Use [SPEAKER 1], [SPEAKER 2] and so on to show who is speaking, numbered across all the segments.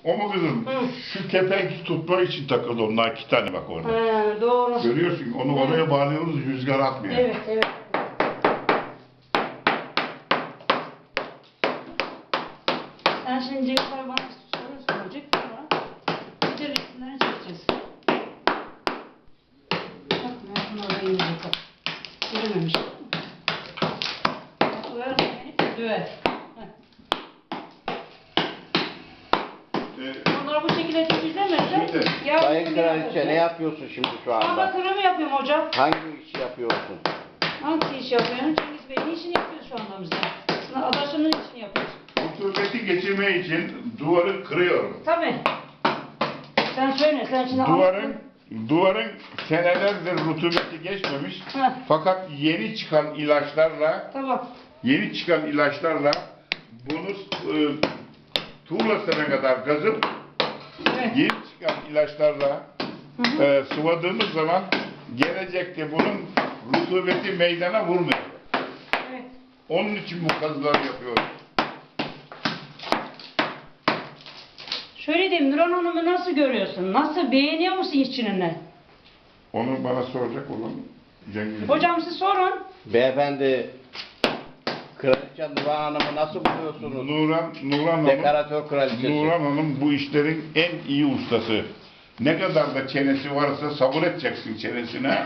[SPEAKER 1] O mu kızım?
[SPEAKER 2] Hı.
[SPEAKER 1] Şu kepenk tutmak için takıldı onlar 2 tane bak orada.
[SPEAKER 2] He, doğru.
[SPEAKER 1] Görüyorsun onu
[SPEAKER 2] Evet.
[SPEAKER 1] oraya bağlıyoruz rüzgar atmıyor.
[SPEAKER 2] Evet, evet. Sen şimdi Cevher bana soru soracak sonra bir de resimlerini çekeceğiz. Bak ben orayı yiyecek. Yürümemiş. Döver beni, döver. Onları bu şekilde temizlemezler.
[SPEAKER 1] Şimdi,
[SPEAKER 3] Sayın Kraliçe ne yapıyorsun şimdi şu anda?
[SPEAKER 2] Amatörümü yapıyorum hocam.
[SPEAKER 3] Hangi işi yapıyorsun?
[SPEAKER 2] Hangi iş yapıyorsun? Cengiz Bey'in işini yapıyoruz şu anda bizde. Aslında adaşının işini yapıyoruz.
[SPEAKER 1] rutubeti geçirme için duvarı kırıyorum.
[SPEAKER 2] Tabii. Sen söyle, sen şimdi
[SPEAKER 1] Duvarın senelerdir rutubeti geçmemiş.
[SPEAKER 2] Heh.
[SPEAKER 1] Fakat yeni çıkan ilaçlarla
[SPEAKER 2] Tamam.
[SPEAKER 1] bunu tuğlasına kadar kazıp
[SPEAKER 2] Evet.
[SPEAKER 1] yeni çıkan ilaçlarla sıvadığımız zaman gelecekte bunun rutubeti meydana vurmuyor.
[SPEAKER 2] Evet.
[SPEAKER 1] Onun için bu kazıları yapıyoruz.
[SPEAKER 2] Şöyle diyeyim, Nurhan Hanım'ı nasıl görüyorsun? Nasıl, beğeniyor musun işçiliğini?
[SPEAKER 1] Onu bana soracak olan Cengiz.
[SPEAKER 2] Hocam siz sorun.
[SPEAKER 3] Beyefendi, Kraliçe Nurhan Hanım'ı nasıl buluyorsunuz?
[SPEAKER 1] Nurhan Hanım,
[SPEAKER 3] Dekoratör kraliçesi.
[SPEAKER 1] Nurhan Hanım bu işlerin en iyi ustası. Ne kadar da çenesi varsa sabır edeceksin çenesine.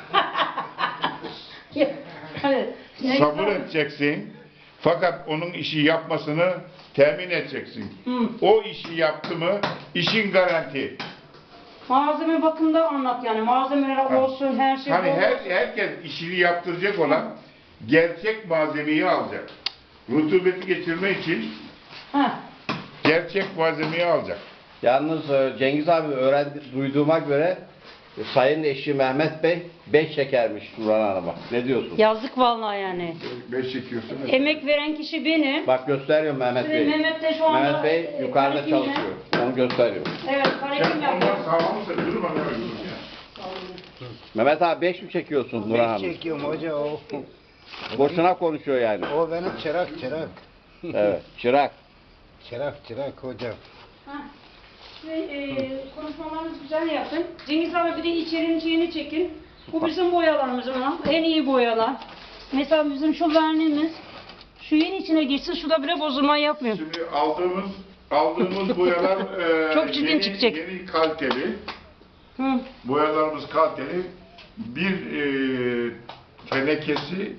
[SPEAKER 2] Hadi.
[SPEAKER 1] Sabır edeceksin. Fakat onun işi yapmasını temin edeceksin.
[SPEAKER 2] Hı.
[SPEAKER 1] O işi yaptı mı işin garanti.
[SPEAKER 2] Malzeme bakımda anlat yani. Malzemeler olsun, her şey
[SPEAKER 1] Hani
[SPEAKER 2] olsun.
[SPEAKER 1] herkes işini yaptıracak olan gerçek malzemeyi alacak. Rutubeti geçirme için
[SPEAKER 2] Heh.
[SPEAKER 1] gerçek malzemeyi alacak.
[SPEAKER 3] Yalnız Cengiz abi duyduğuma göre Sayın eşi Mehmet Bey 5 çekermiş Nurhan Hanım'a. Ne diyorsun?
[SPEAKER 2] Yazık vallahi yani.
[SPEAKER 1] 5 çekiyorsun.
[SPEAKER 2] Emek veren kişi benim.
[SPEAKER 3] Bak gösteriyorum Mehmet
[SPEAKER 2] Şimdi
[SPEAKER 3] Bey.
[SPEAKER 2] Mehmet de şu anda
[SPEAKER 3] Mehmet Bey yukarıda
[SPEAKER 2] karekinle-
[SPEAKER 3] çalışıyor. Onu gösteriyor.
[SPEAKER 2] Evet, karekim
[SPEAKER 1] Sen
[SPEAKER 2] yapıyor.
[SPEAKER 1] ondan sağlamsa durma ne yapıyorsun ya?
[SPEAKER 3] Mehmet abi 5 mi çekiyorsun Nurhan Hanım?
[SPEAKER 4] Çekiyorum hoca o.
[SPEAKER 3] Boşuna konuşuyor yani.
[SPEAKER 4] O benim çırak.
[SPEAKER 3] Evet. Çırak.
[SPEAKER 4] Çırak hocam.
[SPEAKER 2] Heh. Konuşmalarınızı güzel yapın. Cengiz abi bir de içerinin şeyini çekin. Bu bizim boyalarımız ama en iyi boyalar. Mesela bizim şu verniğimiz şu yeni içine girsin, şu da bile bozulma yapmıyor.
[SPEAKER 1] Şimdi aldığımız boyalar
[SPEAKER 2] Çok çirkin çıkacak.
[SPEAKER 1] yeni kaliteli.
[SPEAKER 2] Hı.
[SPEAKER 1] Boyalarımız kaliteli. Bir tenekesi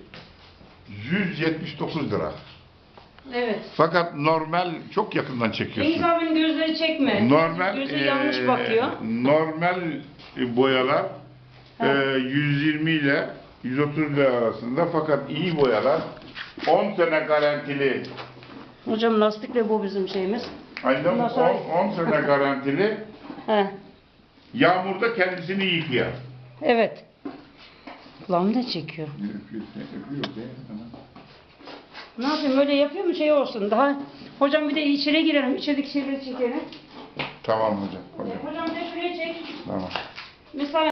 [SPEAKER 1] 179 lira.
[SPEAKER 2] Evet.
[SPEAKER 1] Fakat normal çok yakından çekiyorsun.
[SPEAKER 2] Cengiz abinin gözleri çekme.
[SPEAKER 1] Normal
[SPEAKER 2] Gözü yanlış bakıyor.
[SPEAKER 1] normal boyalar
[SPEAKER 2] Ha.
[SPEAKER 1] 120 ile 130 lira arasında, fakat iyi boyalar 10 sene garantili.
[SPEAKER 2] Hocam lastikle bu bizim şeyimiz.
[SPEAKER 1] Aynen
[SPEAKER 2] Ondan sonra-
[SPEAKER 1] 10 sene garantili.
[SPEAKER 2] He.
[SPEAKER 1] Yağmurda kendisini yıkıyor.
[SPEAKER 2] Evet. Kulağımı da çekiyor. Ne yapayım, böyle yapıyor mu şey olsun daha. Hocam bir de içeri girelim, içerideki şeyleri çekelim.
[SPEAKER 1] Tamam hocam.
[SPEAKER 2] Hocam bir de şuraya çek.
[SPEAKER 1] Tamam.
[SPEAKER 2] Mesela